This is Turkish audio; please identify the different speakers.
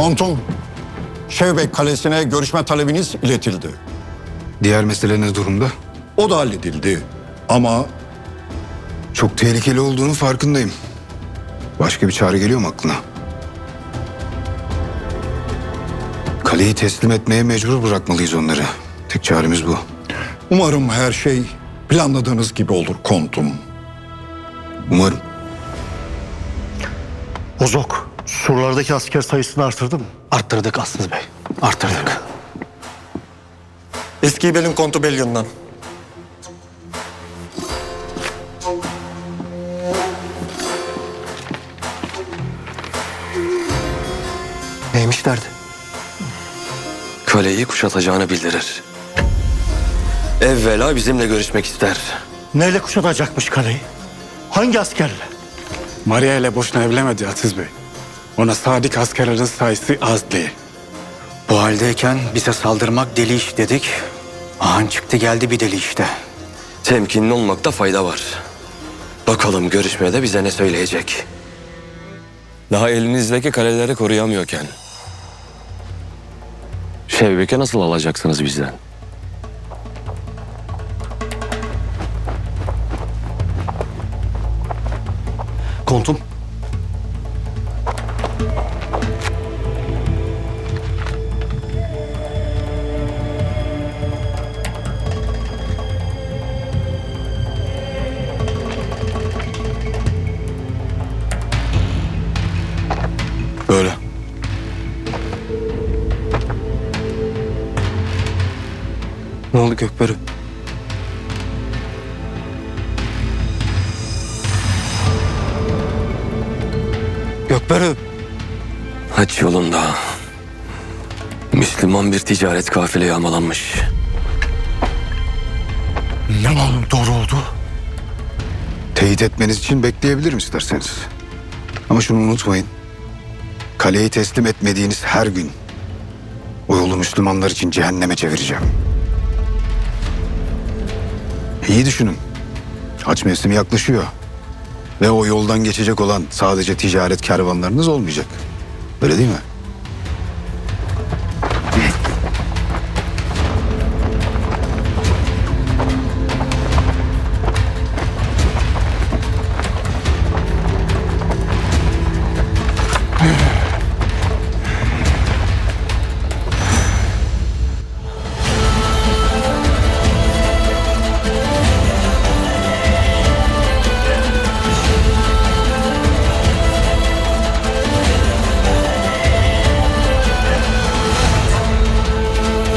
Speaker 1: Montum, Şevbek Kalesi'ne görüşme talebiniz iletildi.
Speaker 2: Diğer mesele ne durumda?
Speaker 1: O da halledildi. Ama
Speaker 2: Çok tehlikeli olduğunun farkındayım. Başka bir çare geliyor mu aklına? Kaleyi teslim etmeye mecbur bırakmalıyız onları. Tek çaremiz bu.
Speaker 1: umarım her şey planladığınız gibi olur kontum.
Speaker 2: Umarım.
Speaker 3: Bozok, surlardaki asker sayısını artırdı mı?
Speaker 4: Arttırdık Aslı Bey. Arttırdık.
Speaker 5: Eski Bel'in kontu Belyon'dan.
Speaker 4: Neymiş derdi?
Speaker 6: Kaleyi kuşatacağını bildirir. Evvela bizimle görüşmek ister.
Speaker 3: Neyle kuşatacakmış kaleyi? Hangi askerle?
Speaker 7: Maria ile boşuna evlenmedi Aziz Bey. Ona sadık askerlerin sayısı az değil.
Speaker 4: Bu haldeyken bize saldırmak deli iş dedik. Ahan çıktı geldi bir deli işte.
Speaker 6: Temkinli olmakta fayda var. Bakalım görüşmede bize ne söyleyecek. Daha elinizdeki kaleleri koruyamıyorken Şevbek'e nasıl alacaksınız bizden?
Speaker 3: Kontum.
Speaker 2: Böyle.
Speaker 4: Ne oldu Gökberk? Gökberk.
Speaker 6: Haç yolunda Müslüman bir ticaret kafile yağmalanmış.
Speaker 3: Ne malum doğru oldu?
Speaker 2: Teyit etmeniz için bekleyebilirim isterseniz. Ama şunu unutmayın. Kaleyi teslim etmediğiniz her gün o yolu Müslümanlar için cehenneme çevireceğim. İyi düşünün. Haç mevsimi yaklaşıyor. Ve o yoldan geçecek olan sadece ticaret kervanlarınız olmayacak. Öyle değil mi?